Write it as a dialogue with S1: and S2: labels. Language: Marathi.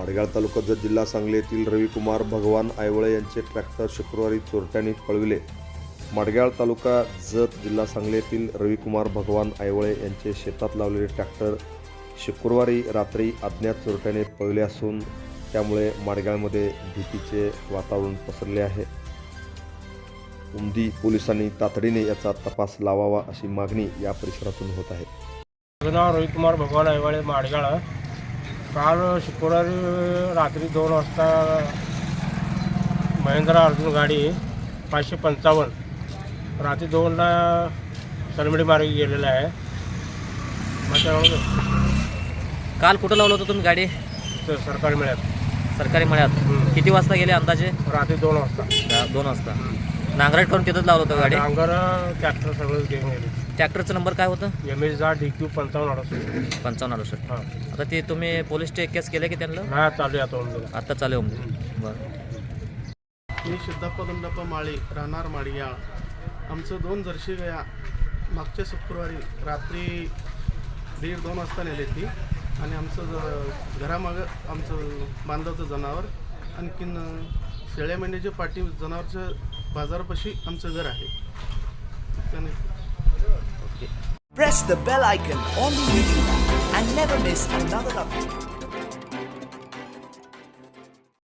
S1: माडगाळ तालुका जत जिल्हा सांगली येथील रविकुमार भगवान आयवळे यांचे ट्रॅक्टर शुक्रवारी चोरट्यांनी पळविले। माडगाळ तालुका जत जिल्हा सांगली येथील रविकुमार भगवान आयवळे यांचे शेतात लावलेले ट्रॅक्टर शुक्रवारी रात्री अज्ञात चोरट्याने पळविले असून त्यामुळे माडगाळमध्ये भीतीचे वातावरण पसरले आहे। उमदी पोलिसांनी तातडीने याचा तपास लावावा अशी मागणी या परिसरातून होत आहे।
S2: माझं नाव रविकुमार भगवान आयवाळे माडगाळ। काल शुक्रवारी रात्री 2 वाजता महिंद्रा अर्जुन गाडी 555 रात्री 2ला सलमडी मार्गे गेलेला आहे।
S3: काल कुठं लावलं होतं तुम्ही गाडी?
S2: सरकारी मळ्यात।
S3: सरकारी मळ्यात किती वाजता गेले अंदाजे?
S2: रात्री 2 वाजता।
S3: 2 वाजता नांगरट करून तिथंच लावलं होतं गाडी?
S2: नांगर ट्रॅक्टर सगळं घेऊन गेले।
S3: ट्रॅक्टरचा नंबर काय होतं?
S2: DQ 5568।
S3: 5568।
S2: हां,
S3: आता ते तुम्ही पोलीस केस केले की त्यांना?
S2: नाही चालू आहे
S3: आता चालू आहे। बरं,
S4: मी सिद्धप्पा दंडप्पा माळी राहणार माडगाळ। आमचं 2 जर्सी गाया मागच्या शुक्रवारी रात्री 1:30-2 वाजता नेली ती आणि आमचं घरामागं आमचं बांधवचं जनावर आणखीन शेळ्या मेंढ्याच्या पाठी जनावरचं बाजारापाशी आमचं घर आहे। त्याने
S5: Press the bell icon on the YouTube and never miss another update.